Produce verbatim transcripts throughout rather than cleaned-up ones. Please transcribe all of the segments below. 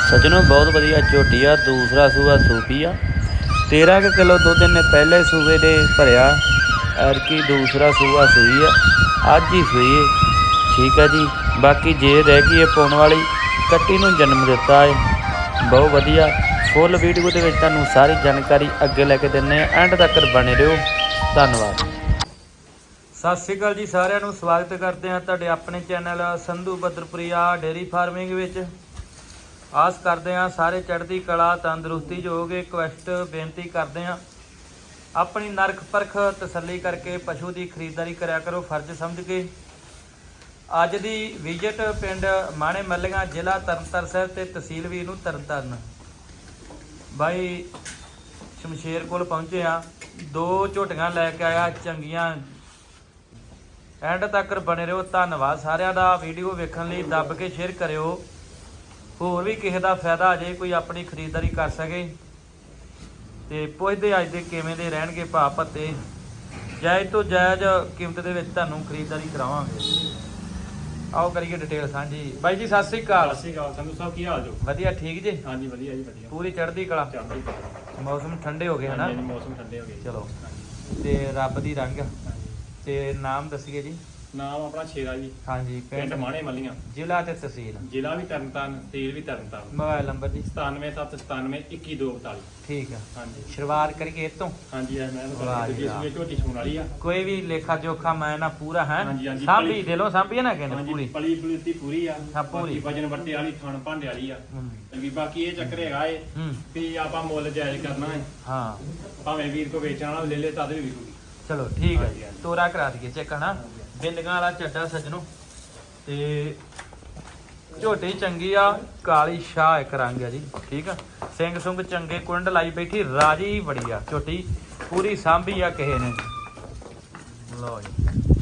सजनों बहुत वधिया झोटी आ। दूसरा सूआ सूपी आ। तेरह क किलो दुध इन्हें पहले सूबे दे भरिया। एरकी दूसरा सूआ सूई है, अज ही सूई है। ठीक है जी। बाकी जे रह गई है पाउण वाली, कट्टी नूं जन्म दिता है। बहुत वधिया फुल वीडियो दे विच तुहानूं सारी जानकारी अगे लैके दिंदे आ। एंड तक बने रहो। धन्नवाद। सत श्री अकाल जी सारिਆਂ ਨੂੰ स्वागत करते हैं ਤੁਹਾਡੇ अपने channel Sandhu Badarpuriya dairy farming विच। आस करते हैं सारे चढ़ती कला तंदुरुस्ती जो होगे। रिक्वेस्ट बेनती करते हैं अपनी नरख परख तसल्ली करके पशु की खरीदारी कराया करो फर्ज समझ के। अज की विजिट पिंड माणे मल्लियां जिला तरनताਰਨ साहिब ते तहसील भी नूं तरनताਰਨ भाई शमशेर कोल पहुंचे आ। दो झोटियां लैके आया चंगियां। एंड तक बने रहो। धन्नवाद सारिਆਂ ਦਾ वीडियो वेखण लई। दब के शेयर करियो। होर भी किसी का फायदा आ जाए, कोई अपनी खरीदारी कर सके। तो पुछते अज दे किवें दे रहणगे भाव भत्ते। जायज़ तो जायज़ कीमत दे विच तुहानूं खरीदारी करावांगे। आओ करिए डिटेल साझी। बाई जी सत श्री अकाल। सत श्री अकाल संधू साहब, की हाल जो? वधिया ठीक जी। हाँ जी वधिया जी वधिया। पूरी चढ़ती कला। चढ़ती कला। मौसम ठंडे हो गए है ना? मौसम ठंडे हो गए। चलो ते रब दी रंग ते नाम दसीए जी। नाम अपना शेरा जी। हाँ जी। पिंड माणे मल्लियां जिला ते तहसील। जिला भी तरनताਰਨ, तहसील भी तरनताਰਨ। मोबाइल नंबर जी सतानवे सत्त सतानवे इक्की दो बताली। ठीक है। हाँ जी शुरुआत करिए इस तो। हाँ जी मैं वाह जी दूजी वाह। सूबे झोटी सूण वाली आ। कोई भी लेखा जोखा मैं ना पूरा है। हाँ जी, हाँ जी, सांभी पली- दिलों सांभी है ना कहने हाँ जी पूरी। पली पलीती पूरी आ। हाँ, पूरी। बाकी वजन वट्टे वाली थण भांडे वाली आ। हम्म, चंगी बाकी ये चक्कर हैगा ए हम्म, भी आपां मुੱਲ जायਜ਼ करना है। हाँ भावें वीर को बेचण वाला ले ले तद भी विकूगी। चलो ठीक हाँ है जी, हाँ जी। जी। तोरा करा दिए चेक है ना। बिंदियां वाला चड्डा सजनों ते झोटी चंगी आ। काली शाह एक रंग है जी। ठीक है। सिंग सुंग चंगे कुंड लाई बैठी राजी बड़ी आ झोटी। पूरी सांभी आ किसे ने। लो जी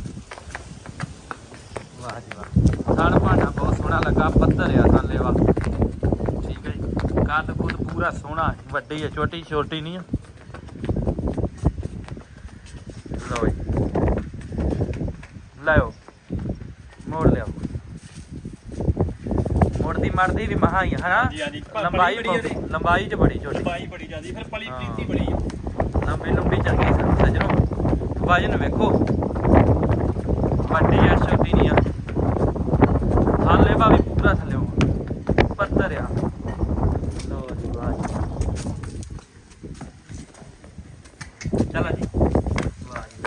वाह जी वाह। थण भांडा बहुत सोहना लगा। पत्थर आ थल्ले वा। ठीक है जी। कद कुद पूरा सोहना है। वड्डी है छोटी छोटी नहीं है। लो जी लाओ मोड़ लिया। मुड़दी मरदी भी महा ही है ना। हाँ जी, हाँ जी। पर लंबाई बड़ी बड़ी बहुत- लंबाई च बड़ी छोटी। लंबाई बड़ी ज्यादा फिर पली हाँ। पलीती बड़ी आ। लंबी लंबी चंगी सजनों। वजन वेखो वड्डी है छोटी नहीं है। थल्ले बा भी पूरा थल्ले पत्थर आ। लो जी वाह जी। चलो जी वाह जी।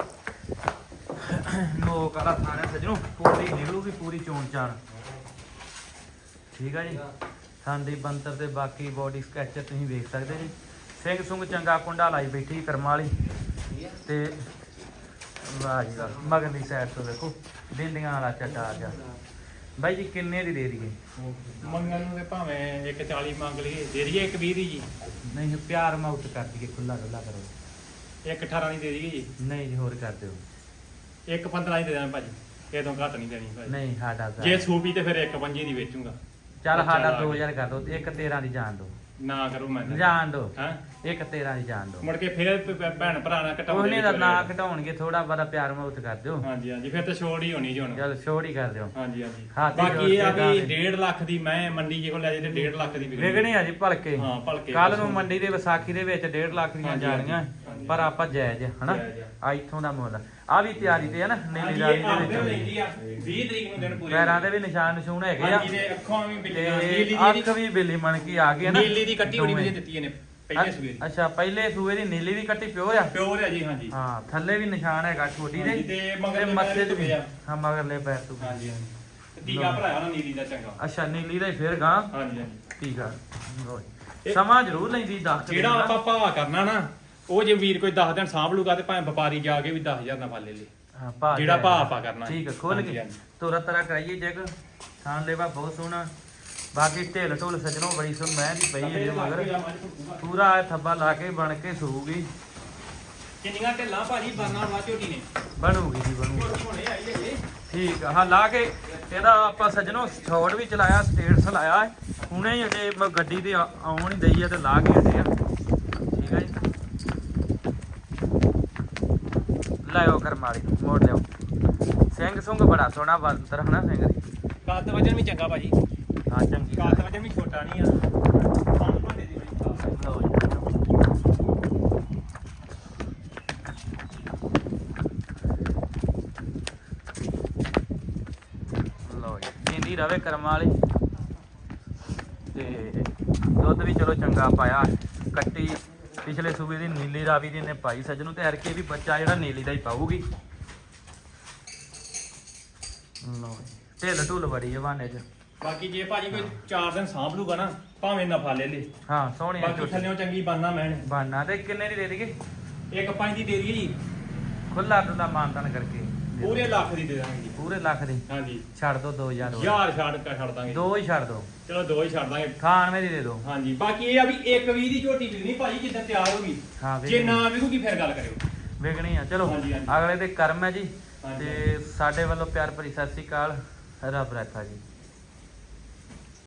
नोक वाला थाना सजनों पूरी निकलूगी पूरी चोन चान। ठीक है जी। थांदी बंतर ते बाकी बॉडी स्कैचर तुसीं वेख सकते जी। सिंग सुंग चंगा कुंडा लाई बैठी करम वाली ते वाह जी वाह। मगरली साइड तो देखो बिंदियां वाला चट्टा आ गया। बाई जी किन्ने दी दे दीए? मंगन ਨੂੰ ਤੇ ਭਾਵੇਂ ਇੱਕ ਚਾਲੀ ਮੰਗ ਲਈਏ ਦੇ ਦਈਏ ਇੱਕ ਵੀਹ ਦੀ ਜੀ। नहीं प्यार माउट कर दिए खुला खुला करो। ਇੱਕ ਅਠਾਰਾਂ ਦੀ ਦੇ ਦਈਏ ਜੀ। नहीं जी होर कर दो। ਇੱਕ ਪੰਦਰਾਂ ਦੀ ਦੇ ਦੇਣਾ ਭਾਜੀ। ਇਹ ਤੋਂ ਘੱਟ ਨਹੀਂ ਦੇਣੀ ਭਾਜੀ। नहीं साडा ਜੇ ਸੂਪੀ ਤੇ ਫਿਰ ਇੱਕ ਪੰਜੀ ਦੀ ਵੇਚੂਗਾ। चल साडा दो हजार कर दो। एक तेरह की जान दो। ਨਾ ਕਰੋ ਮੈਂ जान दो। ਹਾਂ एक तेरह की जान दो। ਮੁੜ ਕੇ ਫਿਰ ਭ- ਭੈਣ ਭਰਾ ਨਾਲ ਉਹਨੇ ਘਟਾਉਂਦੇ ਦਾ ਨਾ ਘਟਾਉਣਗੇ ਥੋੜਾ ਬੜਾ ਪਿਆਰ ਮਾਉਟ ਕਰ ਦਿਓ। ਹਾਂਜੀ ਹਾਂਜੀ ਫਿਰ ਤਾਂ ਛੋੜ ਹੀ ਹੋਣੀ ਜੀ ਹੁਣ। ਚਲ ਛੋੜ ਹੀ ਕਰ ਦਿਓ। ਹਾਂਜੀ ਹਾਂਜੀ ਹਾਂ, ਤੇ ਬਾਕੀ ਇਹ ਆ ਜੋੜ ਵੀ ਕੇ ਡੇਢ ਲੱਖ ਦੀ ਮੈਂ ਮੰਡੀ ਜੇ ਕੋਲ ਲੈ ਜੇ ਤੇ ਡੇਢ ਲੱਖ ਦੀ ਵਿਕਣੀ। ਵਿਕਣੀ ਆ ਜੀ ਭਲਕੇ। ਹਾਂ ਭਲਕੇ ਕੱਲ ਨੂੰ ਮੰਡੀ ਦੇ ਵਿਸਾਖੀ ਦੇ ਵਿੱਚ ਡੇਢ ਲੱਖ ਦੀਆਂ ਹਾਂਜੀ, ਜਾਣੀਆਂ। ਹਾਂਜੀ। ਪਰ ਆਪਾਂ ਜਾਇਜ਼ ਹਨਾ ਜਾਇਜ਼ ਆ। ਆ ਇੱਥੋਂ ਦਾ ਮੁੱਲ ਆ ਵੀ ਤਿਆਰੀ ਤੇ ਹੈ ਨਾ। ਨੀਲੀ ਹਾਂਜੀ ਰਾਈ ਇਹ ਦੇ ਆਪਦੇ ਵਿੱਚ ਲੈਂਦੀ ਆ ਵੀਹ ਤਰੀਕ ਨੂੰ ਦਿਨ ਪੂਰੇ। ਪੈਰਾਂ ਦੇ ਵੀ ਨਿਸ਼ਾਨ ਨਿਸ਼ੂਨ ਹੈਗੇ ਆ। ਹਾਂਜੀ ਤੇ ਅੱਖਾਂ ਵੀ ਤੇ ਬਿੱਲੀਆਂ ਨੀਲੀ ਦੀ ਅੱਖ ਵੀ ਬਿੱਲੀ ਬਣ ਕੇ ਆ ਗਈ ਹੈ ਨਾ। ਨੀਲੀ ਦੀ ਕੱਟੀ ਬੜੀ ਦੋਵੇਂ। ਵਧੀਆ ਦਿੱਤੀ ਇਹਨੇ ਪਹਿਲੇ ਸਵੇਰੇ। ਅੱਛਾ ਪਹਿਲੇ ਸੂਏ ਦੀ ਨੀਲੀ ਵੀ ਕੱਟੀ ਪਿਓਰ ਆ। ਪਿਓਰ ਹੈ ਜੀ ਹਾਂਜੀ। ਹਾਂ ਥੱਲੇ ਵੀ ਨਿਸ਼ਾਨ ਹੈਗਾ ਛੋਟੀ ਦੇ। ਹਾਂਜੀ, ਤੇ ਮਗਰਲੇ ਮੱਥੇ ਪੈਰ ਤੇ ਵੀ ਤੇ ਆ। ਹਾਂ ਮਗਰਲੇ ਪੈਰ ਤੋਂ ਵੀ। ਹਾਂਜੀ ਹਾਂਜੀ ਤੇ ਟੀਕਾ ਭਰਾਇਆ ਨਾ ਨੀਲੀ ਦਾ ਚੰਗਾ। ਅੱਛਾ ਨੀਲੀ ਦਾ ਹੀ ਫਿਰ ਗਾਂ ਹਾਂਜੀ ਹਾਂਜੀ ਠੀਕ ਆ। ਲਓ ਜੀ। ਇਹ- ਸਮਾਂ ਜ਼ਰੂਰ ਲੈਂਦੀ ਦਸ ਜਿਹੜਾ ਆਪਾਂ ਭਾਅ ਕਰਨਾ ਨਾ ਉਹ ਜੇ ਵੀਰ ਕੋਈ ਦਸ ਦਿਨ ਸਾਂਭ ਲੂਗਾ ਤੇ ਭਾਵੇਂ ਵਪਾਰੀ ਜਾ ਕੇ ਵੀ ਦਸ ਹਜ਼ਾਰ ਨਾਲ ਫੜ ਲੈ ਲੇ। ਹਾਂ ਭਾਅ ਜਿਹੜਾ ਜਾਇਜ਼। ਭਾਅ ਆਪਾਂ ਕਰਨਾ। ਠੀਕ ਹੈ ਖੋਲ ਹਾਂਜੀ, ਕੇ ਹਾਂਜੀ। ਤੋਰਾ ਤਰਾ ਕਰਾਈਏ ਜੇਕ ਥਾਂ ਲੈਵਾ ਬਹੁਤ ਸੋਹਣਾ। ਬਾਕੀ ਢੇਲ ਢੋਲ ਸਜਣੋਂ ਬੜੀ ਸੁਣ ਮੈਂ ਦੀ ਪਈ ਹੈ ਮਗਰ ਪੂਰਾ ਥੱਬਾ ਲਾ ਕੇ ਬਣ ਕੇ ਸੂਗੀ। ਕਿੰਨੀਆਂ ਢਿੱਲਾਂ ਭਾਜੀ ਬਰਨਾ ਵਾ ਝੋਟੀ ਨੇ ਬਣੂਗੀ ਜੀ ਬਣੂਗੀ। ਹੁਣੇ ਆਈ ਹੈਗੇ। ਠੀਕ ਆ। ਹਾਂ ਲਾ ਕੇ ਇਹਦਾ ਆਪਾਂ ਸਜਣੋਂ ਸ਼ਾਟ ਵੀ ਚਲਾਇਆ ਸਟੇਟਸ ਲਾਇਆ ਹੈ। ਹੁਣੇ ਹੀ ਅਜੇ ਮ- ਗੱਡੀ ਤੇ ਆ- ਆਉਣ ਹੀ ਦਈ ਆ ਤੇ ਲਾ ਕੇ ਹਟੇ ਆ। ਠੀਕ ਹੈ ਜੀ। ਲਾਇਓ ਕਰਮਾਲੀ ਮੋੜ ਲਿਓ। ਸਿੰਘ ਸੁੰਗ ਬੜਾ ਸੋਹਣਾ ਬੰਦਰ ਹਨਾ ਸਿੰਘ ਦੀ। ਕੱਦ ਵਜਨ ਵੀ ਚੰਗਾ ਭਾਜੀ। ਹਾਂ ਚੰਗੀ ਕੱਦ ਵਜਨ ਵੀ ਛੋਟਾ ਨਹੀਂ ਆ। ਰਵੇ ਕਰਮਾਂ ਵਾਲੀ ਤੇ ਦੁੱਧ ਵੀ ਚਲੋ ਚੰਗਾ ਪਾਇਆ। ਕੱਟੀ ਪਿਛਲੇ ਸੂਬੇ ਦੀ ਨੀਲੀ ਰਾਵੀ ਦੀ ਨੇ ਪਾਈ ਸੱਜਣੋਂ ਤੇ ਹਰਕੇ ਵੀ ਬੱਚਾ ਜਿਹੜਾ ਨੀਲੀ ਦਾ ਹੀ ਪਾਊਗੀ। ਲੋ ਢਿੱਲ ਢੁੱਲ ਬੜੀ ਹੈ ਬਾਨੇ ਚ। ਬਾਕੀ ਜੇ ਭਾਜੀ ਕੋਈ ਚਾਰ ਦਿਨ ਸਾਂਭ ਲੂਗਾ ਨਾ ਭਾਵੇਂ ਨਫਾ ਲੈ ਲੇ। ਹਾਂ ਸੋਹਣੀ ਬਾਕੀ ਥੱਲਿਓਂ ਚੰਗੀ ਬਾਨਾ ਮੈਣ ਬਾਨਾ। ਤੇ ਕਿੰਨੇ ਦੀ ਦੇ ਦੇਗੇ? ਇੱਕ ਪੰਜ ਦੀ ਦੇ ਦਈਏ ਜੀ, ਖੁੱਲਾ ਡੁੱਲਾ ਮਾਨਤਾਨ ਕਰਕੇ ਪੂਰੇ ਲੱਖ ਦੀ ਦੇ ਦਾਂਗੇ ਜੀ। ਪੂਰੇ ਲੱਖ ਦੀ ਹਾਂਜੀ ਛੱਡ ਦੋ ਦੋ ਹਜ਼ਾਰ ਹੋਰ। ਯਾਰ ਛੱਡ ਕੇ ਛੱਡ ਦਾਂਗੇ। ਦੋ ਹੀ ਛੱਡ ਦੋ। ਚਲੋ ਦੋ ਹੀ ਛੱਡ ਦਾਂਗੇ। ਅਠਾਨਵੇਂ ਦੀ ਦੇ ਦੋ। ਹਾਂਜੀ ਬਾਕੀ ਇਹ ਆ ਵੀ ਇੱਕ ਵੀਹ ਦੀ ਝੋਟੀ ਵਿਕਣੀ ਭਾਜੀ ਜਿੱਦਾਂ ਤਿਆਰ ਹੋ ਗਈ। ਹਾਂ ਜੇ ਨਾ ਵਿਕੂਗੀ ਫਿਰ ਗੱਲ ਕਰਿਓ। ਵਿਕਣੀ ਆ। ਚਲੋ ਹਾਂਜੀ, ਹਾਂਜੀ। ਅਗਲੇ ਦੇ ਕਰਮ ਹੈ ਜੀ। ਹਾਂਜੀ। ਤੇ ਸਾਡੇ ਵੱਲੋਂ ਪਿਆਰ ਭਰੀ ਸਤਿ ਸ੍ਰੀ ਅਕਾਲ। ਰੱਬ ਰੱਖਾ ਜੀ।